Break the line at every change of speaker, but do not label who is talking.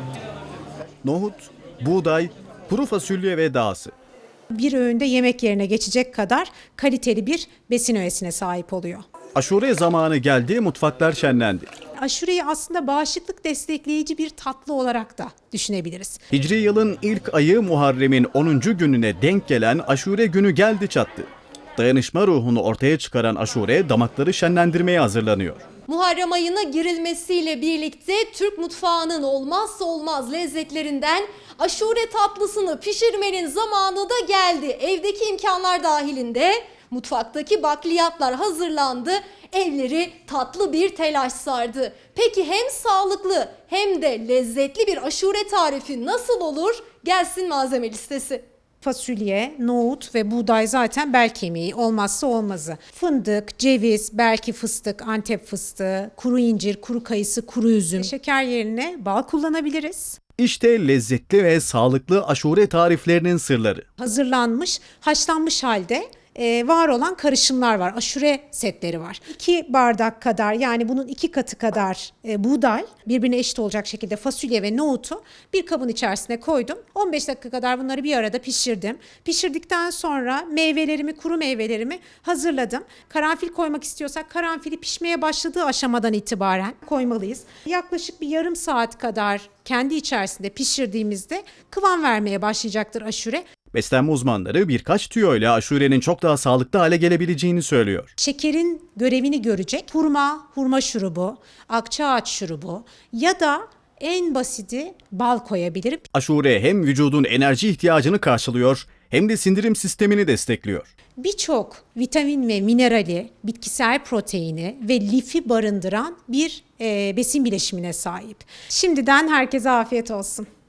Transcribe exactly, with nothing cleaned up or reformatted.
Nohut, buğday, kuru fasulye ve dağısı.
Bir öğünde yemek yerine geçecek kadar kaliteli bir besin öğesine sahip oluyor.
Aşure zamanı geldi, mutfaklar şenlendi.
Aşureyi aslında bağışıklık destekleyici bir tatlı olarak da düşünebiliriz.
Hicri yılın ilk ayı Muharrem'in onuncu gününe denk gelen Aşure günü geldi çattı. Dayanışma ruhunu ortaya çıkaran aşure damakları şenlendirmeye hazırlanıyor.
Muharrem ayına girilmesiyle birlikte Türk mutfağının olmazsa olmaz lezzetlerinden aşure tatlısını pişirmenin zamanı da geldi. Evdeki imkanlar dahilinde mutfaktaki bakliyatlar hazırlandı. Evleri tatlı bir telaş sardı. Peki hem sağlıklı hem de lezzetli bir aşure tarifi nasıl olur? Gelsin malzeme listesi.
Fasulye, nohut ve buğday zaten bel kemiği, olmazsa olmazı. Fındık, ceviz, belki fıstık, Antep fıstığı, kuru incir, kuru kayısı, kuru üzüm. Şeker yerine bal kullanabiliriz.
İşte lezzetli ve sağlıklı aşure tariflerinin sırları.
Hazırlanmış, haşlanmış halde e, var olan karışımlar var. Aşure setleri var. iki bardak kadar, yani bunun iki katı kadar e, buğday, birbirine eşit olacak şekilde fasulye ve nohutu bir kabın içerisine koydum. on beş dakika kadar bunları bir arada pişirdim. Pişirdikten sonra meyvelerimi, kuru meyvelerimi hazırladım. Karanfil koymak istiyorsak karanfili pişmeye başladığı aşamadan itibaren koymalıyız. Yaklaşık bir yarım saat kadar kendi içerisinde pişirdiğimizde kıvam vermeye başlayacaktır aşure.
Beslenme uzmanları birkaç tüyo ile aşurenin çok daha sağlıklı hale gelebileceğini söylüyor.
Şekerin görevini görecek hurma, hurma şurubu, akçaağaç şurubu ya da en basiti bal koyabilirim.
Aşure hem vücudun enerji ihtiyacını karşılıyor hem de sindirim sistemini destekliyor.
Birçok vitamin ve minerali, bitkisel proteini ve lifi barındıran bir e, besin bileşimine sahip. Şimdiden herkese afiyet olsun.